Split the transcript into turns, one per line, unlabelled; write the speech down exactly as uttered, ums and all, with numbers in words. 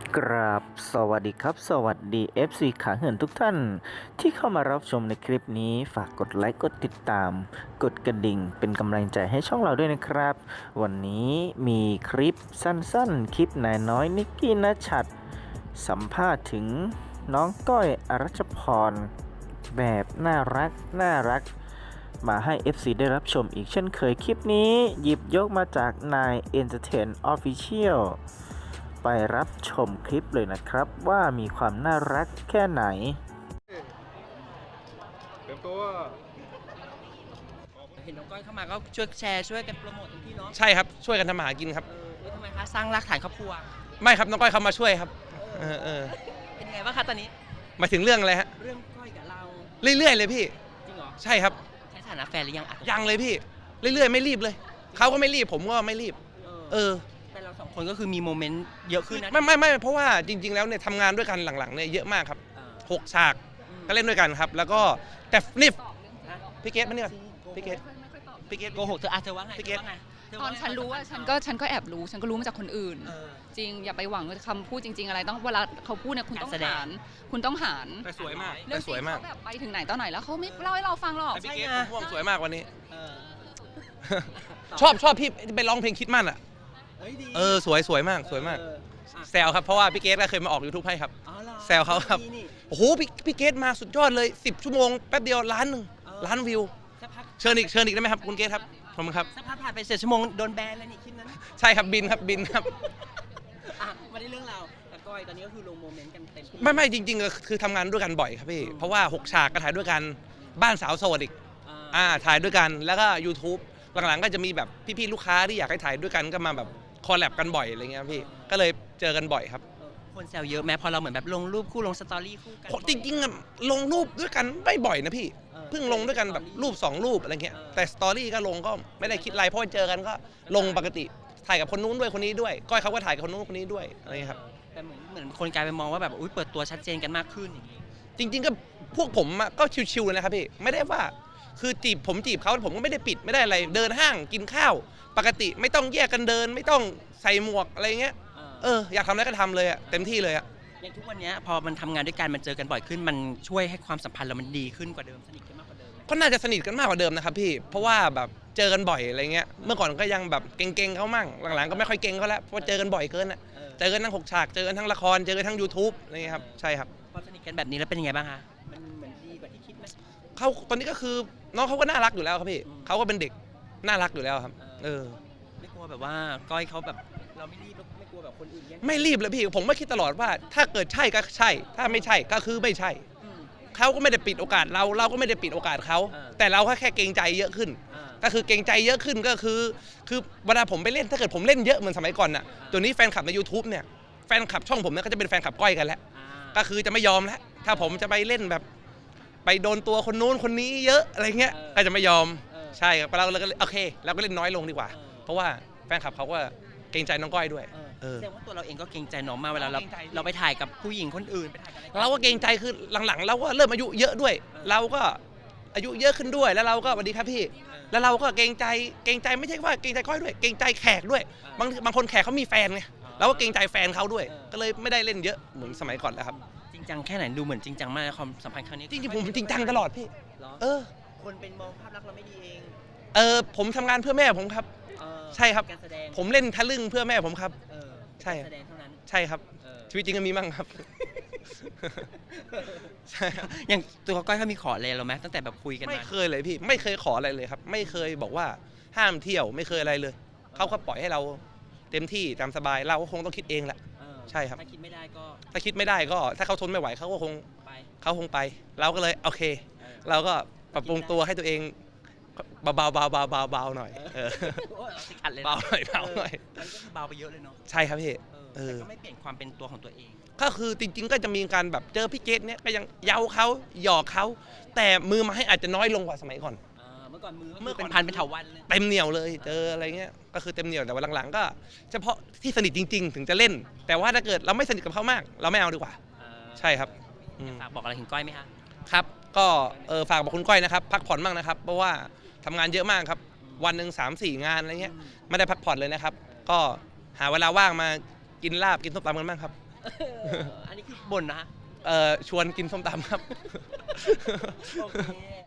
กราบสวัสดีครับสวัสดี เอฟ ซี ขาเหินทุกท่านที่เข้ามารับชมในคลิปนี้ฝากกดไลค์กดติดตามกดกระดิ่งเป็นกำลังใจให้ช่องเราด้วยนะครับวันนี้มีคลิปสั้นๆคลิปนายน้อยนิกกี้ณชัดสัมภาษณ์ถึงน้องก้อยอรัชพรแบบน่ารักน่ารักมาให้ เอฟ ซี ได้รับชมอีกเช่นเคยคลิปนี้หยิบยกมาจากนาย Entertain Officialไปรับชมคลิปเลยนะครับว่ามีความน่ารักแค่ไหน
เตรียมตัว
เห็นน้องก้อยเข้ามาก็ช่วยแชร์ช่วยกันโปรโมทเต็มที่เนาะ
ใช่ครับช่วยกันทำมาหากินครับ
เออเอ้ยทำไมคะสร้างรากฐานครอบครัว
ไม่ครับน้องก้อยเขามาช่วยครับเออเออ
เป็นไงบ้างคะตอนนี้
หมายถึงเรื่องอะไรฮะ
เรื่องก้อยกับเรา
เรื่อยๆเลยพี่
จริงเหรอ
ใช่ครับ
ใช้ฐานะแฟนหรือยังอ่ะ
ยังเลยพี่เรื่อยๆไม่รีบเลยเขาก็ไม่รีบผมก็ไม่รีบเออ
แต่เราสองคนก็คือมีโมเมนต์เยอะขึ้นนะ
ไม่ไม่ไม่เพราะว่าจริงๆแล้วเนี่ยทำงานด้วยกันหลังๆเนี่ยเยอะมากครับหกฉากก็เล่นด้วยกันครับแล้วก็แต่นี่พี่เกดมาเนี่ยพี่เกดพี่เกด
โกหกเธออาเธอว่าไง
พี่เกด
ตอนฉันรู้ว่าฉันก็ฉันก็แอบรู้ฉันก็รู้มาจากคนอื่นจริงอย่าไปหวังคำพูดจริงๆอะไรต้องเวลาเขาพูดเนี่ยคุณต้องหารคุณต้องหาร
แต่สวยมาก
เรื่องสวยมากแบบไปถึงไหนตอนไหนแล้วเขาไม่เล่าให้เราฟังหรอก
พี่เกดม่วงสวยมากวันนี้ชอบชอบพี่ไปร้องเพลงคิดมั่นอ่ะเออสวยสวยมากสวยมากแซวครับเพราะว่าพี่เกดก็เคยมาออกยูทูบให้ครับแซวเขาครับโอ้โหพี่พี่เกดมาสุดยอดเลยสิบชั่วโมงแป๊บเดียวล้านหนึ่งล้านวิวเชิญอีกเชิญอีกได้ไหมครับคุณเกดครับขอบคุณครับ
สักพักผ่านไปเจ็ดชั่วโมงโดนแบนเลยนี่คลิปนั้น
ใช่ครับบินครับบินครับ
มาได้เรื่องเราแต่ก้อยตอนนี้ก็คือลงโมเมนต์กันเต็ม
ไม่ไม่จริงๆคือทำงานด้วยกันบ่อยครับพี่เพราะว่าหกฉากก็ถ่ายด้วยกันบ้านสาวโสดอีกอ่าถ่ายด้วยกันแล้วก็ YouTube หลังๆก็จะมีแบบพี่ๆลูกค้าที่อยากให้ถ่ายด้วยกันก็มาแบบคอลแลบกันบ่อยอะไรเงี้ยพี่ก็เลยเจอกันบ่อยครับ
คนแซวเยอะแม้พอเราเหมือนแบบลงรูปคู่ลงสตอรี่คู่กัน
จริงๆลงรูปด้วยกันไม่บ่อยนะพี่เพิ่งลงด้วยกันแบบรูปสองรูปอะไรเงี้ยแต่สตอรี่ก็ลงก็ไม่ได้คิดอะไรเพราะเจอกันก็ลงปกติถ่ายกับคนนู้นด้วยคนนี้ด้วยก้อยเขาก็ถ่ายกับคนนู้นคนนี้ด้วยอะไรครับ
แต่เหมือนเหมือนคนกลายไปมองว่าแบบอุ้ยเปิดตัวชัดเจนกันมากขึ้นอย่างนี้
จริงๆก็พวกผมก็ชิวๆเลยนะครับพี่ไม่ได้ว่าคือจีบผมจีบเขาผมก็ไม่ได้ปิดไม่ได้อะไรเดินห้างกินข้าวปกติไม่ต้องแยกกันเดินไม่ต้องใส่หมวกอะไรเงี้ยเอออยากทำอะไรก็ทำเลยอะเต็มที่เลยอะ
อย่างทุกวันนี้พอมันทำงานด้วยกันมันเจอกันบ่อยขึ้นมันช่วยให้ความสัมพันธ์เรามันดีขึ้นกว่าเดิมสนิทกันมากกว่าเดิม
ก็น่าจะสนิทกันมากกว่าเดิมนะครับพี่เพราะว่าแบบเจอกันบ่อยอะไรเงี้ยเมื่อก่อนก็ยังแบบเก่งๆเขามั่งหลังๆก็ไม่ค่อยเก่งเขาแล้วเพราะเจอกันบ่อยเกินอะเจอกันทั้งหกฉากเจอกันทั้งละครเจอกันทั้ง YouTube อะไรเงี้ยครับใช่ครับ
พอสนิทกันแบบนี้แล้วเป็นยังไงบ้างคะมันเหมือนดีกว่าที่คิดไหม
เขาตอนนี้ก็คือน้องเขาก็น่ารักอยู่แล้วครับพี่เขาก็เป็นเด็กน่ารักอยู่แล้วครับเออ
ไม่กลัวแบบว่าก้อยเขาแบบเราไม่รีบไม่กลัวแบบคนอื่นแย่ง
ไม่รีบเลยพี่ผมไม่คิดตลอดว่าถ้าเกิดใช่ก็ใช่ถ้าไม่ใช่ก็คือไม่ใช่เขาก็ไม่ได้ปิดโอกาสเราเราก็ไม่ได้ปิดโอกาสเขาแต่เราแค่เกรงใจเยอะขึ้นก็คือเกรงใจเยอะขึ้นก็คือคือเวลาผมไปเล่นถ้าเกิดผมเล่นเยอะเหมือนสมัยก่อนน่ะตัวนี้แฟนคลับใน YouTube เนี่ยแฟนคลับช่องผมเนี่ยก็จะเป็นแฟนคลับก้อยกันแล้วก็คือจะไม่ยอมแล้วถ้าผมจะไปเล่นแบบไปโดนตัวคนนู้นคนนี้เยอะอะไรเงี้ยก็จะไม่ยอมใช่ครับเราเลยก็โอเคเราก็เล่นน้อยลงดีกว่าเพราะว่าแฟนคลับเขาก็เกรงใจน้องก้อยด้วย
แสดงว่าตัวเราเองก็เกรงใจน้องมาเวลาเราเราไปถ่ายกับผู้หญิงคนอื่น
เราก็เกรงใจคือหลังๆเราก็เริ่มอายุเยอะด้วยเราก็อายุเยอะขึ้นด้วยแล้วเราก็สวัสดีครับพี่แล้วเราก็เกรงใจเกรงใจไม่ใช่ว่าเกรงใจก้อยด้วยเกรงใจแขกด้วยบางบางคนแขกเขามีแฟนไงเราก็เกรงใจแฟนเขาด้วยก็เลยไม่ได้เล่นเยอะเหมือนสมัยก่อนแล้วครับ
จริงจังแค่ไหนดูเหมือนจริงจังมากความสัมพันธ์ครั้งนี้
จริงๆผมจริงจังตลอดพี่เออ
คนเป็นมองภาพลักษณ์เราไม่ดีเอง
เออผมทำงานเพื่อแม่ผมครับใช่ครับผมเล่นทะลึ่งเพื่อแม่ผมครับใช่ใช่ครับชีวิตจริงก็มีมั่งครับ
อย่างตัวก้อยเขามีขออะไรเราไหมตั้งแต่แบบคุยกัน
ไม่เคยเลยพี่ไม่เคยขออะไรเลยครับไม่เคยบอกว่าห้ามเที่ยวไม่เคยอะไรเลยเขาก็ปล่อยให้เราเต็มที่ตามสบายเราก็คงต้องคิดเองแหละใช่ครับ
ถ้าคิดไม่ได้ก็
ถ้าคิดไม่ได้ก็ถ้าเขาทนไม่ไหวเขาก็คงเขาคงไปเราก็เลยโอเคเราก็ปรับปรุงตัวให้ตัวเองเบาเบาเบาเบาเบาเบาหน่อยเบาหน่อยเบาหน่อย
เบาไปเยอะเลยเนาะ
ใช่ครับพี่
แต่ก็ไม่เปลี่ยนความเป็นตัวของตัวเอง
ก็คือจริงๆก็จะมีการแบบเจอพี่เกดเนี่ยก็ยังเย้าเขาหยอกเขาแต่มือไม้อาจจะน้อยลงกว่าสมัยก่อน
เมื่อก่อนมือเมื่อเป็นพันเป็นเถาวัลย์เลย
เต็มเหนียวเลยเจออะไรเงี้ยก็คือเต็มเหนียวแต่ว่าหลังๆก็เฉพาะที่สนิทจริงๆถึงจะเล่นแต่ว่าถ้าเกิดเราไม่สนิทกับเขามากเราไม่เอาดีกว่าใช่ครับ
ฝากบอกอะไรถึงก้อยไหมคะ
ครับก็เออฝากบอกคุณก้อยนะครับพักผ่อนบ้างนะครับเพราะว่าทำงานเยอะมากครับวันหนึ่งสามสี่งานอะไรเงี้ยไม่ได้พักผ่อนเลยนะครับก็หาเวลาว่างมากินลาบกินส้มตำกันบ้างครับ
อันนี้คือบ่นนะ
เอ่อชวนกินส้มตำครับ
โอเค